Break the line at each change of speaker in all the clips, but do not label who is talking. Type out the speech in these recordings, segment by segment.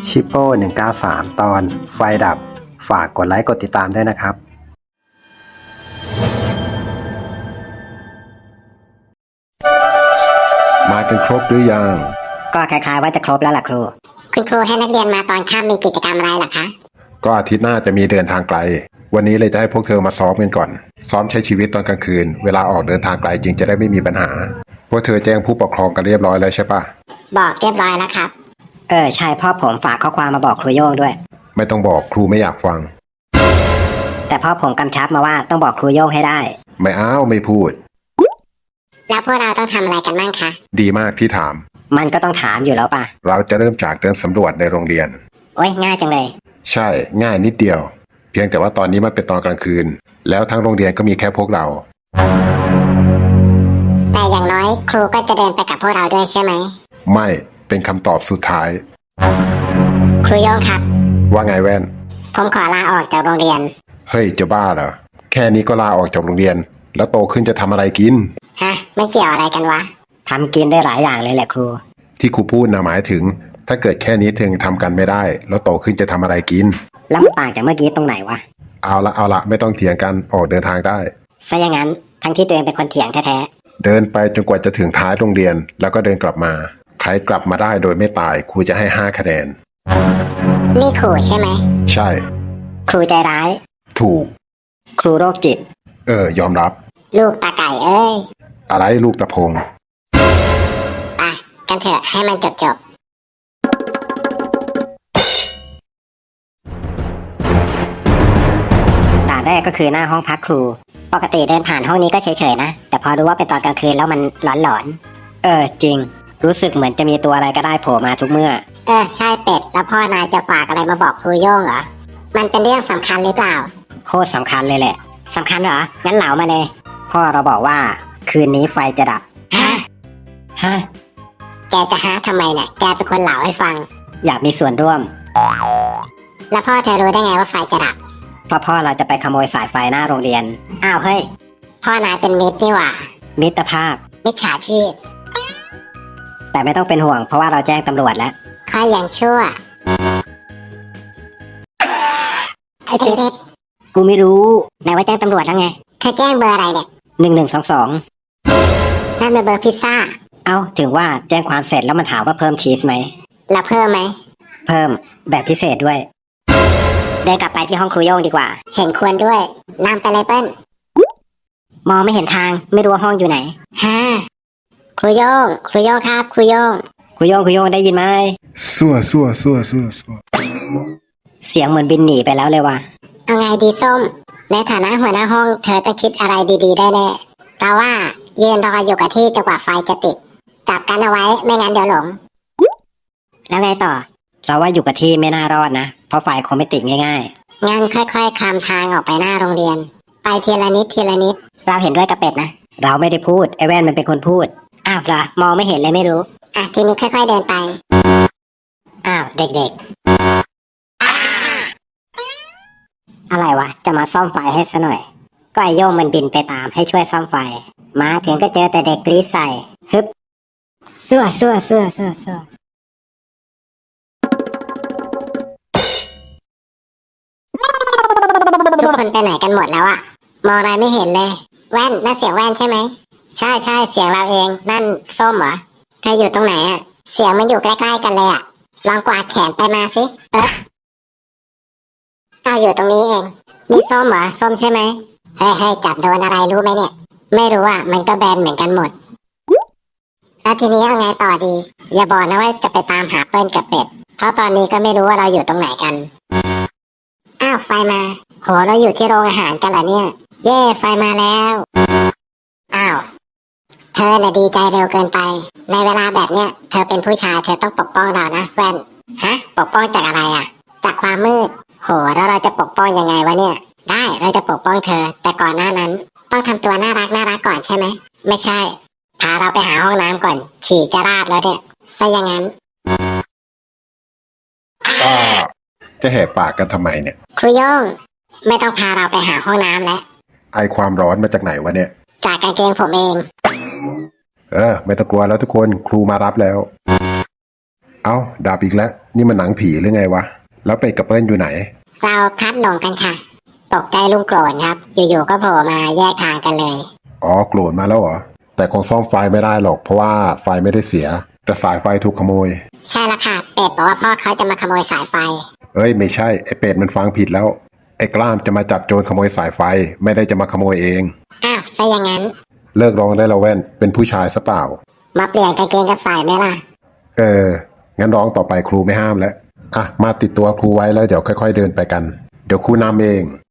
ชิปโป้193 ตอนไฟดับฝากกดไลค์กดติดตามด้วยนะครับ
มากันครบหรือยัง
ก็คล้ายๆว่าจะครบแล้วล่ะครู
คุณครูให้นักเรียนมาตอนค่ำมีกิจกรรมอะไรล่ะคะ
ก็อาทิตย์หน้าจะมีเดินทางไกล วันนี้เลยจะให้พวกเธอมาซ้อมกันก่อน ซ้อมใช้ชีวิตตอนกลางคืน เวลาออกเดินทางไกลจึงจะได้ไม่มีปัญหา พวกเธอแจ้งผู้ปกครองกันเรียบร้อยแล้วใช่ปะ
บอกเรียบร้อยแล้วครับ
ใช่พ่อผมฝากข้อความมาบอกครูโย่งด้วย
ไม่ต้องบอกครูไม่อยากฟัง
แต่พ่อผมกำชับมาว่าต้องบอกครูโย่งให้ได้
ไม่อ้าวไม่พูด
แล้วพวกเราต้องทำอะไรกันบ้างคะ
ดีมากที่ถาม
มันก็ต้องถามอยู่แล้วป่ะ
เราจะเริ่มจากเดินสำรวจในโรงเรียน
โอ้ยง่ายจังเลย
ใช่ง่ายนิดเดียว เพียงแต่ว่าตอนนี้มันเป็นตอนกลางคืน แล้วทั้งโรงเรียนก็มีแค่พวกเรา
แต่อย่างน้อยครูก็จะเดินไปกับพวกเราด้วยใช่ไหม
ไม่เป็นคำตอบสุดท้าย
ครูโยงครับ
ว่าไงแว่น
ผมขอลาออกจากโรงเรียน
เฮ้ยจะบ้าเหรอแค่นี้ก็ลาออกจากโรงเรียน แล้วโตขึ้นจะทำอะไรกิน
ฮะไม่เกี่ยวอะไรกันวะ
ทำกินได้หลายอย่างเลยแหละครู
ที่ครูพูดนะหมายถึง ถ้าเกิดแค่นี้เธอยังทำกันไม่ได้ แล้วโตขึ้นจะทำอะไรกิน
แล้วมันต่างจากเมื่อกี้ตรงไหนวะ
เอาละไม่ต้องเถียงกันออกเดินทางได้
ซะอย่างนั้นทั้งที่ตัวเองเป็นคนเถียงแท้
เดินไปจนกว่าจะถึงท้ายโรงเรียน แล้วก็เดินกลับมาใครกลับมาได้โดยไม่ตายครูจะให้5 คะแนน
นี่ครูใช่ไหม
ใช่
ครูใจร้าย
ถูก
ๆ ครูโรคจิต
ยอมรับ
ลูกตาไก่เอ้ย
อะไรลูกตะพง
ไปกันเถอะให้มันจบ
ด่านแรกก็คือหน้าห้องพักครู ปกติเดินผ่านห้องนี้ก็เฉยๆนะ แต่พอรู้ว่าเป็นตอนกลางคืนแล้วมันหลอนๆจริง รู้สึกเหมือนจะมีตัวอะไรก็ได้โผล่มาทุกเมื่อ
ใช่เป็ด แล้วพ่อนายจะฝากอะไรมาบอกครูโย่งเหรอ มันเป็นเรื่องสำคัญหรือเปล่า
โคตรสำคัญเลยแหละสำคัญเหรอ งั้นเหลามาเลย พ่อเราบอกว่าคืนนี้ไฟจะดับ
ฮะ
ฮะ
แกจะหาทำไมเนี่ยแกเป็นคนเล่าให้ฟัง
อยากมีส่วนร่วม
แล้วพ่อเธอรู้ได้ไงว่าไฟจะดับ
เพราะพ่อเราจะไปขโมยสายไฟหน้าโรงเรียน
อ้าวเฮ้ย พ่อนายเป็นมิตรนี่หว่า
มิตรภาพ
มิจฉาชีพ
แต่ไม่ต้องเป็นห่วงเพราะว่าเราแจ้งตำรวจแล้ว
ข้ายังชั่วไอ้เพชร
กูไม่รู้
นายว่าแจ้งตำรวจแล้วไง เธอแจ้งเบอร์อะไรเนี่ย
1122
นั่นเป็นเบอร์พิซซ่า
เอ้าถึงว่าแจ้งความเสร็จแล้วมันถามว่าเพิ่มชีสไหม
แล้วเพิ่มไหม
เพิ่มแบบพิเศษด้วย เดินกลับไปที่ห้องครูโย่งดีกว่า
เห็นควรด้วยนำไปเลยเปิ้ล
มองไม่เห็นทางไม่รู้ว่าห้องอยู่ไหน
ฮ่าครูโย่งครูโย่งครับ ครูโย่ง
ครูโย่งได้ยินไหม
สั่ว
เสียงเหมือนบินหนีไปแล้วเลยว่ะ
เอาไงดีส้ม ในฐานะหัวหน้าห้องเธอต้องคิดอะไรดีๆได้แน่เราว่ายืนรออยู่กับที่จนกว่าไฟจะติด จับกันเอาไว้ไม่งั้นเดี๋ยวหลง
แล้วไงต่อ เราว่าอยู่กับที่ไม่น่ารอดนะ เพราะไฟคงไม่ติดง่าย
งั้นค่อยๆคลำทางออกไปหน้าโรงเรียน ไปทีละนิดทีละนิด
ๆ เราเห็นด้วยกับเป็ดนะ เราไม่ได้พูดไอ้แว่นมันเป็นคนพูด อ้าวเหรอมองไม่เห็นเลยไม่รู้
ทีนี้ค่อยๆเดินไป
อ้าวเด็กๆ อะไรวะจะมาซ่อมไฟให้ซะหน่อย ก็ไอโย่งมันบินไปตามให้ช่วยซ่อมไฟ มาถึงก็เจอแต่เด็กกรี๊ดใส่ฮึบซั่ว
ทุกคนไปไหนกันหมดแล้วอะมองอะไรไม่เห็นเลย แว่นนั่นเสียงแว่นใช่ไหม ใช่เสียงเราเอง นั่นส้มเหรอเธออยู่ตรงไหนอะเสียงมันอยู่ใกล้ๆกันเลยอะลองกวาดแขนไปมาสิอยู่ตรงนี้เองนี่ส้มเหรอส้มใช่ไหมเฮ้ยจับโดนอะไรรู้ไหมเนี่ย ไม่รู้อะมันก็แบนเหมือนกันหมด แล้วทีนี้เอาไงต่อดี อย่าบอกนะว่าจะไปตามหาเปิ้ลกับเป็ด เพราะตอนนี้ก็ไม่รู้ว่าเราอยู่ตรงไหนกัน อ้าวไฟมาโหเราอยู่ที่โรงอาหารกันเหรอเนี่ย เย่ไฟมาแล้วอ้าวเธอน่ะดีใจเร็วเกินไป ในเวลาแบบเนี้ยเธอเป็นผู้ชายเธอต้องปกป้องเรานะแว่นฮะปกป้องจากอะไรอ่ะจากความมืดโหแล้วเราจะปกป้องยังไงวะเนี่ยได้เราจะปกป้องเธอ แต่ก่อนหน้านั้น ต้องทำตัวน่ารักก่อนใช่ไหมไม่ใช่พาเราไปหาห้องน้ำก่อนฉี่จะราดแล้วเนี่ยซะอย่างนั้น
จะแหกปากกันทำไมเนี่ย
ครูโย่งไม่ต้องพาเราไปหาห้องน้ำแล้ว
ไอความร้อนมาจากไหนวะเนี่ย
จากกางเกงผมเอง
ไม่ต้องกลัวแล้วทุกคนครูมารับแล้วเอ้าดาบอีกแล้วนี่มันหนังผีหรือไงวะแล้วเป็ดกับเปิ้ลอยู่ไหน
เราพลัดหลงกันค่ะ ตกใจลุงโกรธครับ อยู่ๆก็โผล่มาแยกทางกันเลย
อ๋อโกรธมาแล้วเหรอแต่คงซ่อมไฟไม่ได้หรอกเพราะว่าไฟไม่ได้เสียแต่สายไฟถูกขโมย
ใช่ละค่ะ เป็ดบอกว่าพ่อเขาจะมาขโมยสายไฟ
เอ้ยไม่ใช่ไอ้เป็ดมันฟังผิดแล้วไอ้กล้ามจะมาจับโจรขโมยสายไฟไม่ได้จะมาขโมยเอง
อ้าวซะอย่างนั้น
เลิกร้องได้แล้วแว่นเป็นผู้ชายซะเปล่า
มาเปลี่ยนกางเกงกับสายไหมล่ะ
งั้นร้องต่อไปครูไม่ห้ามแล้วอ่ะมาติดตัวครูไว้แล้วเดี๋ยวค่อยๆเดินไปกันเดี๋ยวครูนำเอง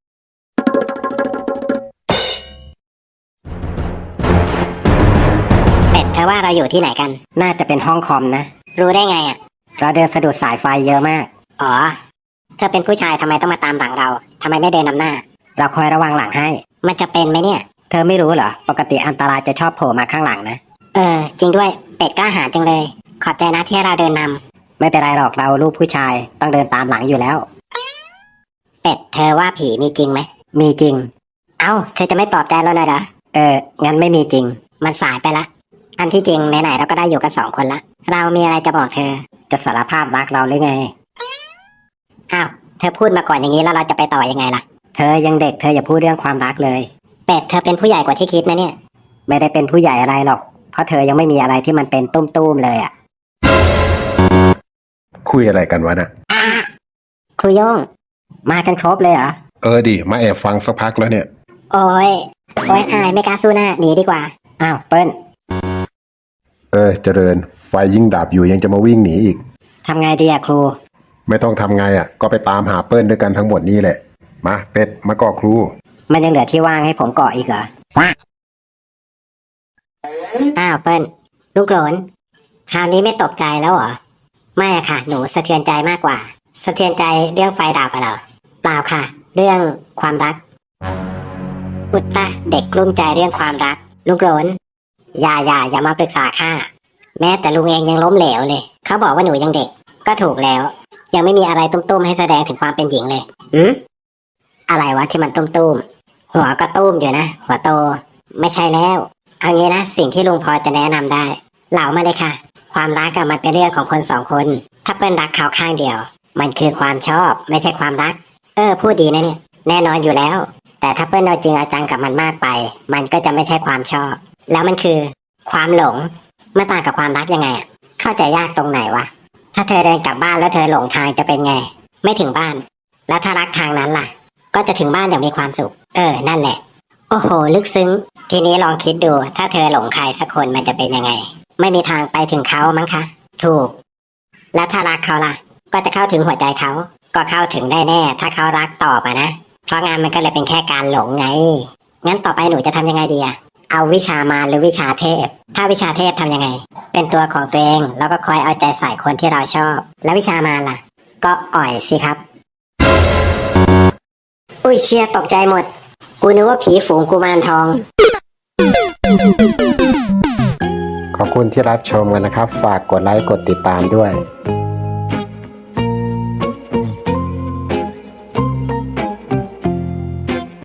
เป็ดเธอว่าเราอยู่ที่ไหนกัน น่าจะเป็นห้องคอมนะ
รู้ได้ไงอ่ะ
เราเดินสะดุดสายไฟเยอะมาก
อ๋อ เธอเป็นผู้ชายทำไมต้องมาตามหลังเราทำไมไม่เดินนำหน้า
เราคอยระวังหลังให้
มันจะเป็นไหมเนี่ย
เธอไม่รู้เหรอ ปกติอันตรายจะชอบโผล่มาข้างหลังนะ
จริงด้วย เป็ดกล้าหาญจังเลย ขอบใจนะที่เราเดินนำ
ไม่เป็นไรหรอกเราลูกผู้ชายต้องเดินตามหลังอยู่แล้ว
เป็ดเธอว่าผีมีจริงไหม
มีจริง
เอ้า เธอจะไม่ปลอบใจเราหน่อยเหรอ
งั้นไม่มีจริง
มันสายไปละ อันที่จริงไหนๆเราก็ได้อยู่กันสองคนละ เรามีอะไรจะบอกเธอ
จะสารภาพรักเราหรือไง
อ้าว เธอพูดมาก่อนอย่างนี้แล้วเราจะไปต่อยังไงล่ะ
เธอยังเด็กเธออย่าพูดเรื่องความรักเลย
เป็ดเธอเป็นผู้ใหญ่กว่าที่คิดนะเนี่ย
ไม่ได้เป็นผู้ใหญ่อะไรหรอก เพราะเธอยังไม่มีอะไรที่มันเป็นตุ้มๆเลยอ่ะ
คุยอะไรกันวะน่ะ
ครูโย่ง
มากันครบเลยเหรอ
ดิมาแอบฟังสักพักแล้วเนี่ย
โอ้ยอายไม่กล้าสู้หน้าหนีดีกว่า
อ้าวเปิ้ล
เจริญไฟยิ่งดับอยู่ยังจะมาวิ่งหนีอีก
ทำไงดีอะครู
ไม่ต้องทำไงอ่ะก็ไปตามหาเปิ้ลด้วยกันทั้งหมดนี่แหละมาเป็ดมาก่อครู
มันยังเหลือที่ว่างให้ผมเกาะอีกเหรอ
อ้าวเปิ้ลลูกโกรนคราวนี้ไม่ตกใจแล้วเหรอ ไม่อะค่ะ หนูสะเทือนใจมากกว่า สะเทือนใจเรื่องไฟดับอะเหรอ เปล่าค่ะ เรื่องความรัก อุตตะเด็กกลุ้มใจเรื่องความรัก ลูกโกรนอย่ามาปรึกษาข้า แม้แต่ลุงเองยังล้มเหลวเลย เขาบอกว่าหนูยังเด็ก ก็ถูกแล้ว ยังไม่มีอะไรตุ้มๆให้แสดงถึงความเป็นหญิงเลยอะไรวะที่มันตุ้มๆหัวก็ตุ้มอยู่นะ หัวโต ไม่ใช่แล้วเอางี้นะสิ่งที่ลุงพอจะแนะนำได้ เหล่ามาเลยค่ะ ความรักอะมันเป็นเรื่องของคนสองคน ถ้าเปิ้ลรักเขาข้างเดียว มันคือความชอบไม่ใช่ความรัก พูดดีนะเนี่ย แน่นอนอยู่แล้ว แต่ถ้าเปิ้ลเอาจริงเอาจังกับมันมากไป มันก็จะไม่ใช่ความชอบ แล้วมันคือ ความหลงมันต่างกับความรักยังไงอะเข้าใจยากตรงไหนวะ ถ้าเธอเดินกลับบ้านแล้วเธอหลงทางจะเป็นไง ไม่ถึงบ้าน แล้วถ้ารักทางนั้นล่ะ ก็จะถึงบ้านอย่างมีความสุข นั่นแหละ โอ้โห ลึกซึ้ง ทีนี้ลองคิดดู ถ้าเธอหลงใครสักคนมันจะเป็นยังไง ไม่มีทางไปถึงเขามั้งคะ ถูก แล้วถ้ารักเขาล่ะ ก็จะเข้าถึงหัวใจเขา ก็เข้าถึงได้แน่ ถ้าเขารักตอบนะ เพราะงานมันก็เลยเป็นแค่การหลงไง งั้นต่อไปหนูจะทำยังไงดีอะเอาวิชามารหรือวิชาเทพ ถ้าวิชาเทพทำยังไง เป็นตัวของตัวเองแล้วก็คอยเอาใจใส่คนที่เราชอบ แล้ววิชามารล่ะ ก็อ่อยสิครับ อุ้ยเชียตกใจหมด กูนึกว่าผีฝูงกุมารทอง
ขอบคุณที่รับชมกันนะครับ ฝากกดไลค์กดติดตามด้วย